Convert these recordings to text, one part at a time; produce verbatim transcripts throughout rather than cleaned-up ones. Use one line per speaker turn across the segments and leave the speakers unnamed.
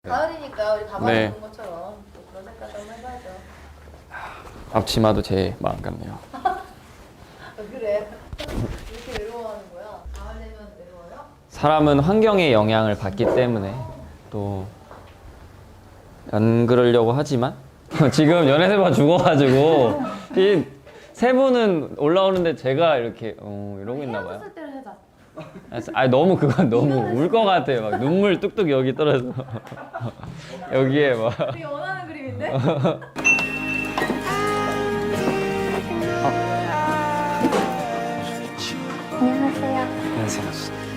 가을이니까 우리 가방에
네.
입은 것처럼 또 그런 색깔 좀 해봐야죠.
앞치마도 제 마음 같네요.
왜 그래? 이렇게 외로워하는 거야? 가을 되면 외로워요?
사람은 환경의 영향을 받기 때문에 또 안 그러려고 하지만 지금 연애세번 죽어가지고 이 세 분은 올라오는데 제가 이렇게 어, 이러고 있나 봐요.
헤어졌을 때를 해자.
아 너무 그건 너무 울 것 같아요. 막 눈물 뚝뚝 여기 떨어져. 여기에 막.
되게 원하는 그림인데?
안녕하세요.
안녕하세요.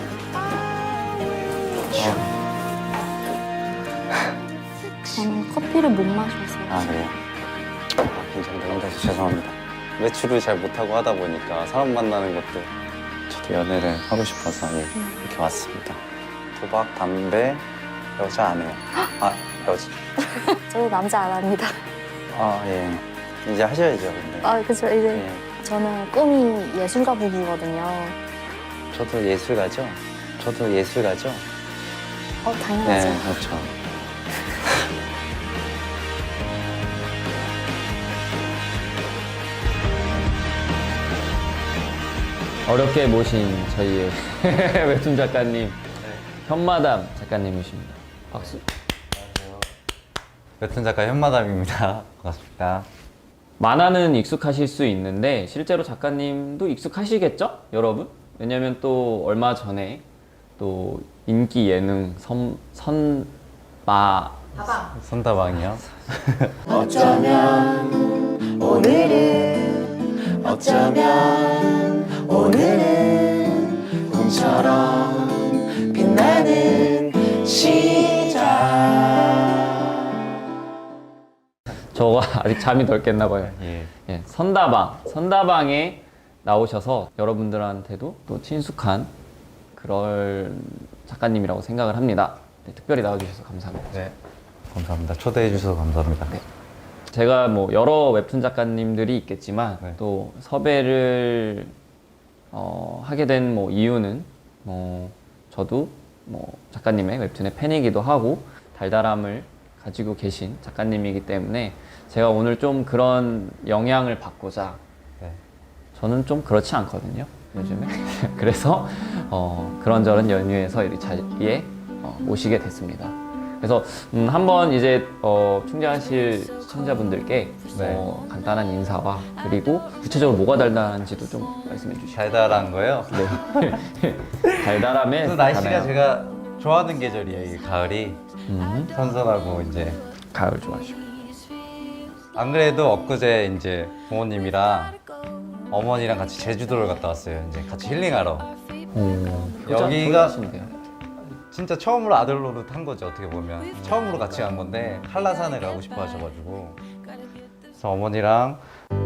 저는 커피를 못 마셔서.
아 그래요? 괜찮습니다. 혼자서 죄송합니다. 외출을 잘 못하고 하다 보니까 사람 만나는 것도 저도 연애를 하고 싶어서 예, 이렇게 왔습니다. 도박, 담배, 여자 안 해요. 아 여자.
저도 남자 안 합니다.
아 예. 이제 하셔야죠 근데.
아, 그죠. 이제
예.
저는 꿈이 예술가 부부거든요.
저도 예술가죠. 저도 예술가죠.
어, 당연하죠.
네 그렇죠.
어렵게 모신 저희의 웹툰 작가님 현마담 작가님이십니다. 박수.
웹툰 작가 현마담입니다. 반갑습니다.
만화는 익숙하실 수 있는데 실제로 작가님도 익숙하시겠죠? 여러분? 왜냐면 또 얼마 전에 또 인기 예능 선, 선마
가방.
선다방이요.
어쩌면 오늘은 어쩌면 오늘은 꿈처럼 빛나는 시작.
저가 아직 잠이 덜 깼나 봐요.
예.
예, 선다방, 선다방에 나오셔서 여러분들한테도 또 친숙한 그런 작가님이라고 생각을 합니다. 네, 특별히 나와주셔서 감사합니다.
네. 감사합니다. 초대해 주셔서 감사합니다.
네. 제가 뭐 여러 웹툰 작가님들이 있겠지만
네.
또 섭외를 어, 하게 된 뭐 이유는 뭐 저도 뭐 작가님의 웹툰의 팬이기도 하고 달달함을 가지고 계신 작가님이기 때문에 제가 오늘 좀 그런 영향을 받고자
네.
저는 좀 그렇지 않거든요 요즘에 그래서 어, 그런저런 연유에서 이 자리에 어, 모시게 됐습니다. 그래서 음, 한번 이제 어, 충전하실 시청자분들께
네.
어, 간단한 인사와 그리고 구체적으로 뭐가 달달한지도 좀 말씀해 주시죠.
달달한 거요?
네. 달달함에
또 날씨가
가나요?
제가 좋아하는 계절이에요. 이 가을이
음,
선선하고 이제
가을 좋아하시고
안 그래도 엊그제 이제 부모님이랑 어머니랑 같이 제주도를 갔다 왔어요. 이제 같이 힐링하러. 여기가
여기가
진짜 처음으로 아들 노릇 한 거죠. 어떻게 보면 처음으로 같이 간 건데 한라산에 가고 싶어 하셔가지고 그래서 어머니랑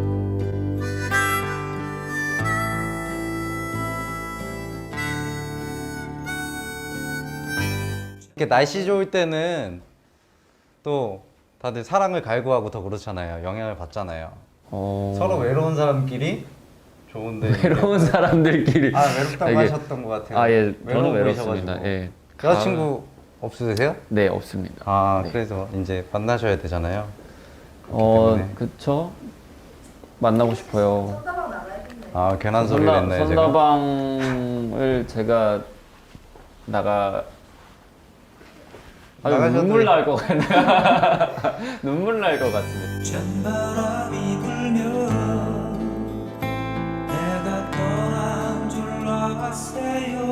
이렇게 날씨 좋을 때는 또 다들 사랑을 갈구하고 더 그렇잖아요. 영향을 받잖아요.
어...
서로 외로운 사람끼리 좋은데
외로운 사람들끼리
아 외롭다고
되게-
하셨던 것 같아요.
아, 예,
외로워
저는 외롭습니다.
보이셔가지고.
예.
여자친구 없으세요?
네, 없습니다.
아
네.
그래서 이제 만나셔야 되잖아요.
어,
때문에.
그쵸? 만나고 싶어요.
선다방 나가야겠네.
아 괜한 소리를
선다,
했네요. 제가.
선다방을 제가 나가 아유,
나가셔도
눈물
돼요.
날 것 같네. 눈물 날 것 같은데.
찬바람이 불면 내가 떠난 줄 알았어요.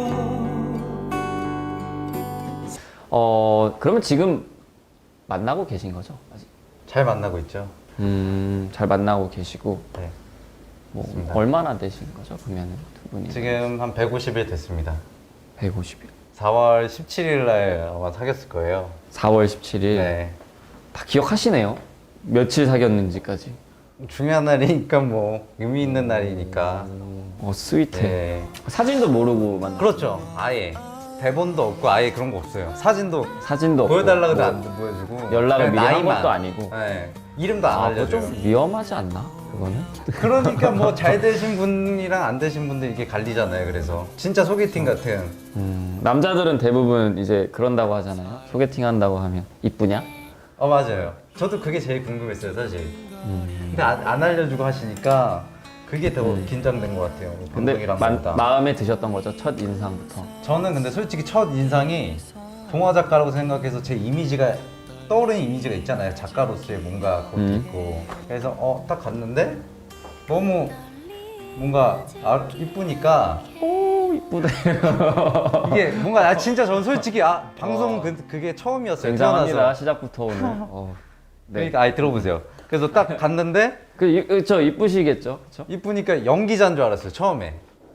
어, 그러면 지금 만나고 계신 거죠? 아직?
잘 만나고 있죠.
음, 잘 만나고 계시고
네.
뭐
맞습니다.
얼마나 되신 거죠? 그러면 두 분이
지금 한 백오십 일 됐습니다.
백오십 일.
사월 십칠일 날 아마 사귀었을 거예요.
사월 십칠일.
네.
다 기억하시네요. 며칠 사귀었는지까지.
중요한 날이니까 뭐 의미 있는 날이니까.
어, 스윗해.
네.
사진도 모르고 만나.
그렇죠. 아예 대본도 없고 아예 그런 거 없어요. 사진도
사진도 없고
보여달라고 해도
뭐
안 보여주고
연락을
그냥
미리 한
나이만.
것도 아니고.
네. 이름도 안
아, 그거
알려줘요.
좀 위험하지 않나? 그거는?
그러니까 뭐 잘 되신 분이랑 안 되신 분들 이게 갈리잖아요. 그래서 진짜 소개팅 같은.
음, 남자들은 대부분 이제 그런다고 하잖아요. 소개팅 한다고 하면 이쁘냐?
어 맞아요. 저도 그게 제일 궁금했어요 사실.
음.
근데 안, 안 알려주고 하시니까 그게 더 긴장된 것 같아요.
근데
감독이랑
마,
보다.
마음에 드셨던 거죠? 첫 인상부터.
저는 근데 솔직히 첫 인상이 동화 작가라고 생각해서 제 이미지가 떠오르는 이미지가 있잖아요. 작가로서의 뭔가 그것도
음.
있고. 그래서 어 딱 갔는데 너무 뭔가 아, 이쁘니까
오 이쁘다.
이게 뭔가 아, 진짜 저는 솔직히 아 방송 그, 그게 처음이었어요.
굉장합니다.
태어나서.
시작부터 오늘. 어, 네.
그러니까 아이 들어보세요. 그래서 딱 갔는데
그, 이- 그, 저 이쁘시겠죠? 그쵸?
이쁘니까 연기자인 줄 알았어요. 처음에.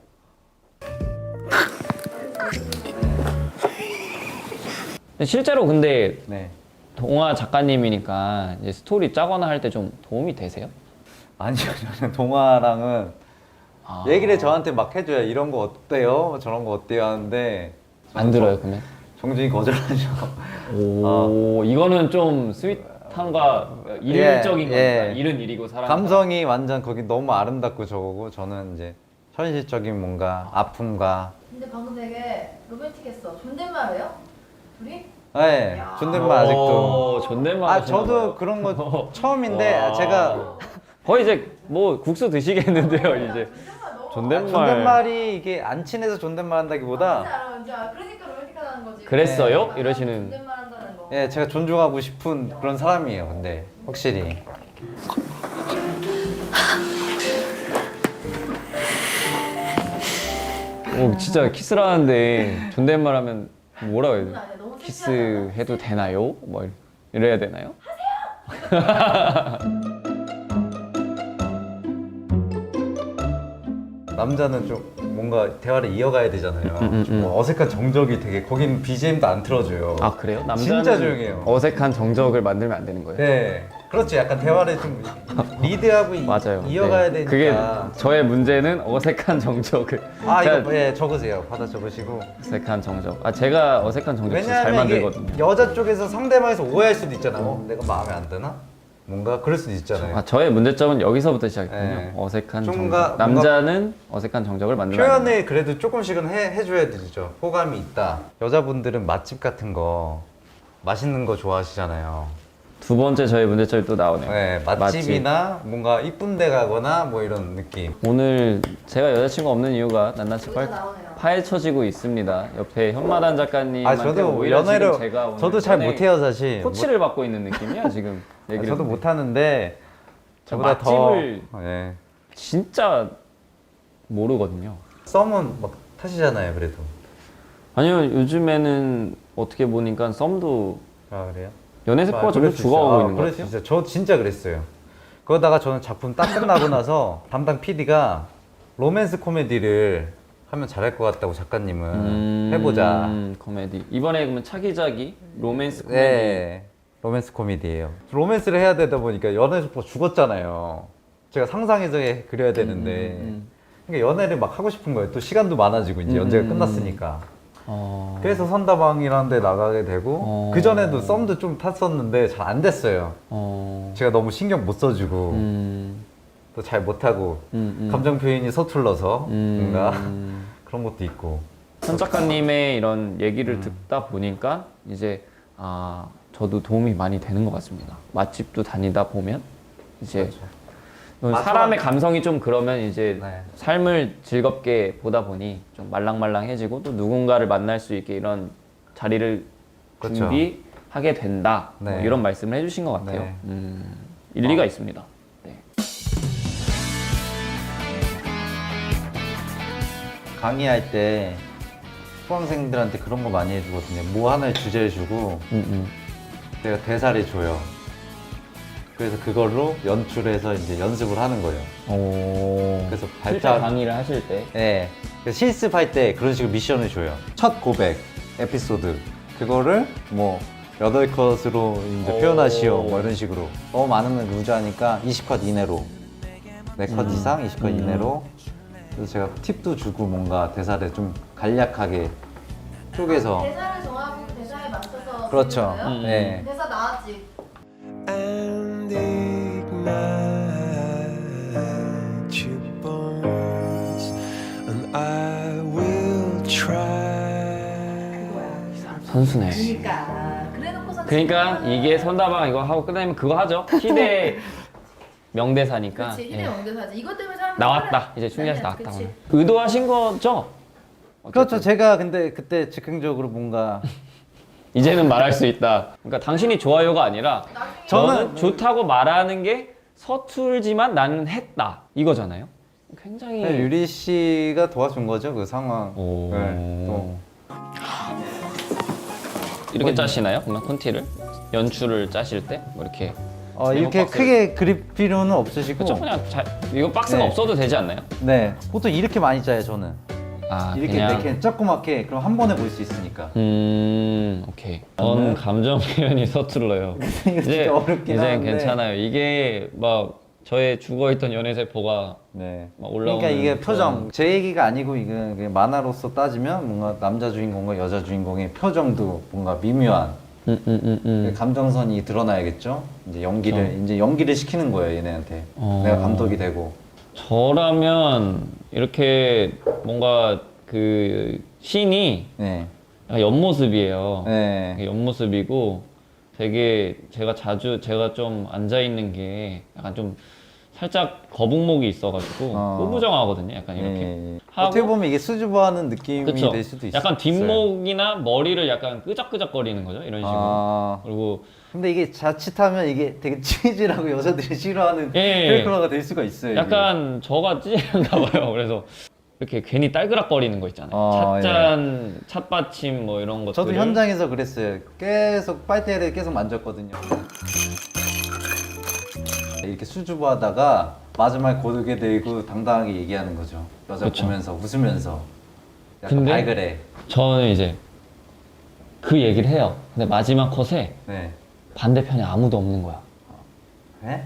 실제로 근데
네.
동화 작가님이니까 이제 스토리 짜거나 할 때 좀 도움이 되세요?
아니요, 저는 동화랑은
아.
얘기를 저한테 막 해줘요. 이런 거 어때요? 저런 거 어때요? 하는데
안 들어요 그러면?
종종이 거절하죠.
오 이거는 좀 스윗함과 일적인
예, 예.
거니까 일은 일이고 사람
감성이 완전 거기 너무 아름답고 저거고 저는 이제 현실적인 뭔가 아픔과
근데 방금 되게 로맨틱했어. 존댓말해요? 둘이?
네,
야.
존댓말 아직도.
오, 존댓말
아
하시나
저도
봐요.
그런 거 처음인데
와.
제가
거의 이제 뭐 국수 드시겠는데요 이제
존댓말 너무
존댓말
존댓말이 이게 안 친해서 존댓말 한다기보다
진짜 알아, 이제 아, 그러니까 로맨틱하다는 거지.
그랬어요?
네.
이러시는
존댓말 한다는 거.
예 제가 존중하고 싶은 그런 사람이에요. 근데 확실히
오, 진짜 키스를 하는데 존댓말 하면 뭐라고 해야
그건
돼?
아니야. 너무
키스
섹시하잖아.
해도 되나요? 뭐 이래- 이래야 되나요?
남자는 좀 뭔가 대화를 이어가야 되잖아요.
음, 음,
좀 뭐 어색한 정적이 되게 거긴 비지엠도 안 틀어줘요.
아 그래요? 남자는
진짜 조용해요.
어색한 정적을 만들면 안 되는 거예요?
네, 그렇죠. 약간 대화를 좀 리드하고 이-
맞아요.
이어가야
네.
되니까.
그게 저의 문제는 어색한 정적을.
아
제가
이거 예 적으세요. 받아 적으시고.
어색한 정적. 아 제가 어색한 정적 진짜 잘
왜냐하면 이게
만들거든요.
여자 쪽에서 상대방에서 오해할 수도 있잖아. 어, 내가 마음에 안 드나? 뭔가 그럴 수도 있잖아요.
아 저의 문제점은 여기서부터 시작했군요.
네.
어색한
좀
정적.
뭔가-
남자는 어색한 정적을 만들면 안 돼요.
표현을 그래도 조금씩은 해, 해줘야 되죠. 호감이 있다. 여자분들은 맛집 같은 거 맛있는 거 좋아하시잖아요.
두 번째 저의 문제점이 또 나오네요.
네, 맛집이나 뭔가 이쁜 데 가거나 뭐 이런 느낌.
오늘 제가 여자친구 없는 이유가 낱낱이
여기서
파,
나오네요.
파헤쳐지고 있습니다. 옆에 현마단 작가님한테
아 저도
오히려
연애를
지금 제가 오늘
저도 잘
연애
못해요 사실.
코치를 받고 있는 느낌이야 지금
못-
얘기를.
아, 저도 못하는데
저
저보다
맛집을
더 예.
진짜 모르거든요.
썸은 막 타시잖아요 그래도.
아니요 요즘에는 어떻게 보니까 썸도
아 그래요?
연애 세포가
아,
점점
그럴 수
죽어가고
있어요. 아,
있는 것
그럴 수
같아요.
있어요. 저 진짜 그랬어요. 그러다가 저는 작품 딱 끝나고 나서 담당 피디가 로맨스 코미디를 하면 잘할 것 같다고 작가님은
음,
해보자.
코미디 이번에 그러면 차기작이 로맨스 코미디.
네, 로맨스 코미디예요. 로맨스를 해야 되다 보니까 연애 속도 죽었잖아요. 제가 상상해서 해- 그려야 되는데
음,
그러니까 연애를 막 하고 싶은 거예요. 또 시간도 많아지고 이제
음,
연재가
음,
끝났으니까.
어...
그래서 선다방이라는 데 나가게 되고
어.
그 전에도 썸도 좀 탔었는데 잘 안 됐어요.
어...
제가 너무 신경 못 써주고
음,
또 잘 못하고
음, 음.
감정 표현이 서툴러서
음.
뭔가 그런 것도 있고.
현 작가님의 이런 얘기를
음.
듣다 보니까 이제 아 저도 도움이 많이 되는 것 같습니다. 맛집도 다니다 보면 이제
그렇죠.
사람의 감성이 좀 그러면 이제
네.
삶을 즐겁게 보다 보니 좀 말랑말랑해지고 또 누군가를 만날 수 있게 이런 자리를
그렇죠.
준비하게 된다. 뭐
네.
이런 말씀을 해주신 것 같아요.
네.
음, 일리가 있습니다. 네.
강의할 때 수강생들한테 그런 거 많이 해주거든요. 뭐 하나의 주제를 주고
음,
내가 대사를 줘요. 그래서 그걸로 연출해서 이제 연습을 하는 거예요.
음. 오.
그래서
실제
발작-
강의를 하실 때
네. 그래서 실습할 때 그런 식으로 미션을 줘요. 첫 고백 에피소드 그거를 뭐 여덟 컷으로 이제
오.
표현하시오 뭐 이런 식으로 너무 많으면 루즈하니까 이십 컷 이내로 네 컷
음.
이상 이십 컷
음.
이내로 그래서 제가 팁도 주고 뭔가 대사를 좀 간략하게
쪽에서.
대사를 정하고 대사에 맞춰서
그렇죠.
쓰는 거예요?
음.
네.
대사 나왔지.
and ignite your bones, and I will try.
선수네.
그러니까 그래놓고서
그러니까 이게 선다방 이거 하고 끝나면 그거 하죠. 희대 명대사니까.
그렇지 희대
예.
명대사지. 이것 때문에 사람
나왔다. 이제 충전해서 나왔다. 오늘. 의도하신 거죠?
그렇죠. 제가 근데 그때 즉흥적으로 뭔가
이제는 말할 수 있다. 그러니까 당신이 좋아요가 아니라 저는
저는-
좋다고 말하는 게 서툴지만 나는 했다 이거잖아요. 굉장히
네, 유리 씨가 도와준 거죠 그 상황.
오.
네, 또.
이렇게 짜시나요? 그러면 콘티를 연출을 짜실 때 뭐 이렇게
어, 이렇게
박스를-
크게 그릴 필요는 없으시고.
그렇죠. 그냥 잘 이거 박스가
네.
없어도 되지 않나요?
네. 보통 이렇게 많이 짜요 저는.
아
이렇게
그냥
이렇게 조그맣게 그럼 한 번에 볼 수 있으니까.
음 오케이. 전 감정 표현이 서툴러요.
이거
이제
진짜 어렵긴
이제
한데.
괜찮아요. 이게 막 저의 죽어있던 연애세포가
네.
막 올라오는
그러니까 이게 표정.
그런-
제 얘기가 아니고 이게 그냥 만화로서 따지면 뭔가 남자 주인공과 여자 주인공의 표정도 뭔가 미묘한
음, 음, 음, 음.
감정선이 드러나야겠죠. 이제 연기를
그렇죠.
이제 연기를 시키는 거예요 얘네한테.
어.
내가 감독이 되고.
저라면 이렇게 뭔가 그 신이
네.
약간 옆모습이에요.
네.
옆모습이고 되게 제가 자주 제가 좀 앉아 있는 게 약간 좀 살짝 거북목이 있어가지고
어.
꾸부정하거든요. 약간 이렇게
네.
하고
어떻게 보면 이게 수줍어하는 느낌이
그쵸?
될 수도 있어요.
약간 뒷목이나 머리를 약간 끄적끄적거리는 거죠. 이런 식으로.
아.
그리고
근데 이게 자칫하면 이게 되게 치질하고 여자들이 싫어하는
예.
캐릭터가 될 수가 있어요. 이게.
약간 저가 찌른가 봐요. 그래서 이렇게 괜히 딸그락거리는 거 있잖아요.
아,
찻잔, 찻받침 뭐 이런 것들.
저도 현장에서 그랬어요. 계속 빨대를 계속 만졌거든요. 이렇게 수줍어하다가 마지막에 고르게 되고 당당하게 얘기하는 거죠. 여자
그쵸.
보면서 웃으면서. 약간
근데-
말 그래.
저는 이제 그 얘기를 해요. 근데 마지막 컷에
네.
반대편에 아무도 없는 거야.
네?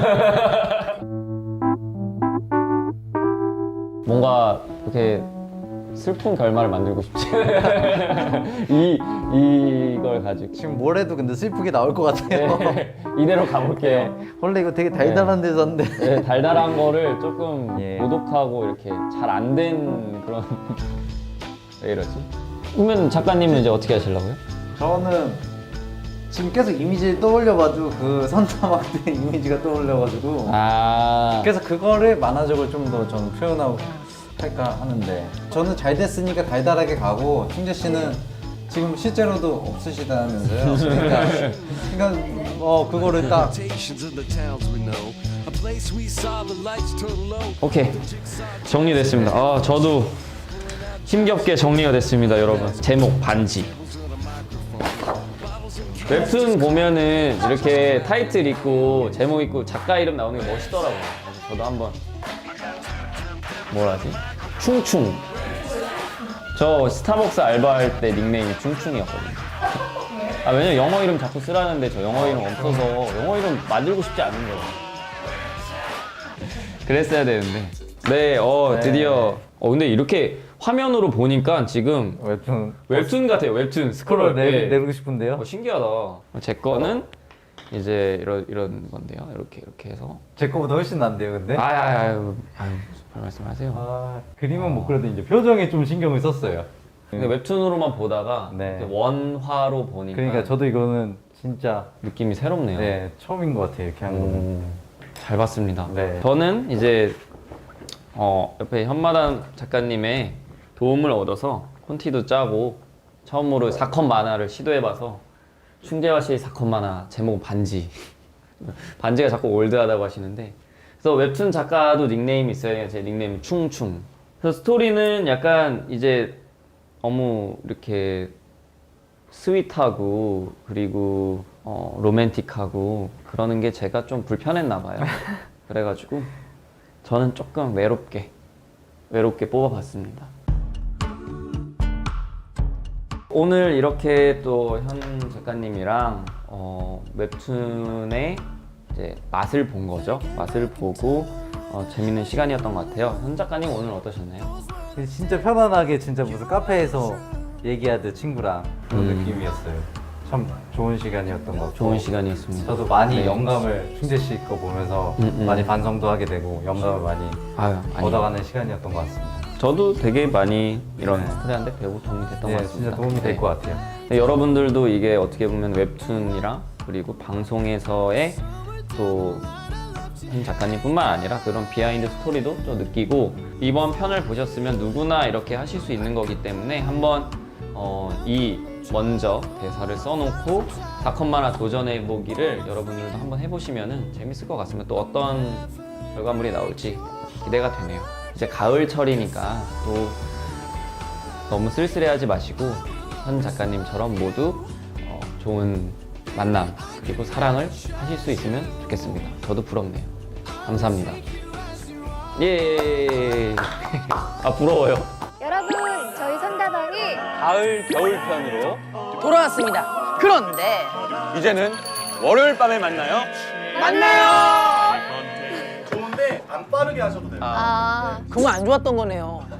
뭔가 이렇게 슬픈 결말을 만들고 싶지. 이 이걸 가지고
지금 뭘 해도 근데 슬프게 나올 것 같아요.
네, 이대로 가볼게요.
원래 이거 되게 달달한 데서인데.
네, 달달한 거를 조금
예.
고독하고 이렇게 잘 안 된 그런 왜 이러지? 그러면 작가님은 이제 어떻게 하시려고요?
저는 지금 계속 이미지를 떠올려봐도 그 선타막 때 이미지가 떠올려가지고
아
그래서 그거를 만화적으로 좀 더 저는 표현하고 할까 하는데 저는 잘 됐으니까 달달하게 가고 충재 씨는 지금 실제로도 없으시다면서요. 그러니까, 그러니까 어 그거를 딱
Temptations in the towns we know, a place we saw the lights turn low.
오케이 정리됐습니다. 아 저도 힘겹게 정리가 됐습니다, 여러분. 제목 반지. 웹툰 보면은 이렇게 타이틀 있고 제목 있고 작가 이름 나오는 게 멋있더라고요. 그래서 저도 한번 뭐라지? 충충. 저 스타벅스 알바할 때 닉네임이 충충이었거든요. 아 왜냐면 영어 이름 자꾸 쓰라는데 저 영어 이름 없어서 영어 이름 만들고 싶지 않은 거예요. 그랬어야 되는데. 네, 어 드디어. 어 근데 이렇게 화면으로 보니까 지금
웹툰
웹툰 같아요. 웹툰 스크롤.
스크롤 내,
네.
내리고 싶은데요.
어, 신기하다. 제 거는 이제 이런 이런 건데요. 이렇게 이렇게 해서.
제 거보다 훨씬 난데요, 근데.
아유 아유 아유, 아유 별 말씀하세요.
아, 그림은 못 그려도 이제 표정에 좀 신경을 썼어요.
근데 웹툰으로만 보다가
네.
이렇게 원화로 보니까
그러니까 저도 이거는 진짜
느낌이 새롭네요.
네 처음인 것 같아요 이렇게 한 거는.
음, 잘 봤습니다.
네.
저는 이제 어, 옆에 현마담 작가님의 도움을 얻어서 콘티도 짜고 처음으로 사컷 만화를 시도해봐서 충재화 씨의 사컷 만화 제목은 반지. 반지가 자꾸 올드하다고 하시는데 그래서 웹툰 작가도 닉네임이 있어요. 제 닉네임은 충충. 그래서 스토리는 약간 이제 너무 이렇게 스윗하고 그리고 어, 로맨틱하고 그러는 게 제가 좀 불편했나 봐요. 그래가지고 저는 조금 외롭게 외롭게 뽑아봤습니다. 오늘 이렇게 또 현 작가님이랑 어, 웹툰의 이제 맛을 본 거죠. 맛을 보고 어, 재밌는 시간이었던 것 같아요. 현 작가님 오늘 어떠셨나요?
진짜 편안하게 진짜 무슨 카페에서 얘기하듯 친구랑 그런
음.
느낌이었어요. 참 좋은 시간이었던 것 같고
좋은 시간이었습니다.
저도 많이
네.
영감을 충재 씨 거 보면서
음, 음.
많이 반성도 하게 되고 영감을 많이
아유, 아니.
얻어가는 시간이었던 것 같습니다.
저도 되게 많이 이런
네.
코리안대 배우고 도움이 됐던 것
네,
같습니다.
진짜 도움이 될
네.
것 같아요.
네, 여러분들도 이게 어떻게 보면 웹툰이랑 그리고 방송에서의 또 한 작가님뿐만 아니라 그런 비하인드 스토리도 좀 느끼고 이번 편을 보셨으면 누구나 이렇게 하실 수 있는 거기 때문에 한번 어, 이 먼저 대사를 써놓고 사컷 만화 도전해 보기를 여러분들도 한번 해보시면 재밌을 것 같습니다. 또 어떤 결과물이 나올지 기대가 되네요. 이제 가을철이니까 또 너무 쓸쓸해하지 마시고 현 작가님처럼 모두 어, 좋은 만남 그리고 사랑을 하실 수 있으면 좋겠습니다. 저도 부럽네요. 감사합니다. 예. 아 부러워요.
여러분, 저희 선다방이
가을 겨울 편으로
돌아왔습니다. 그런데
이제는 월요일 밤에 만나요.
만나요.
좋은데 안 빠르게 하셔도 돼요.
아,
그거 안 좋았던 거네요.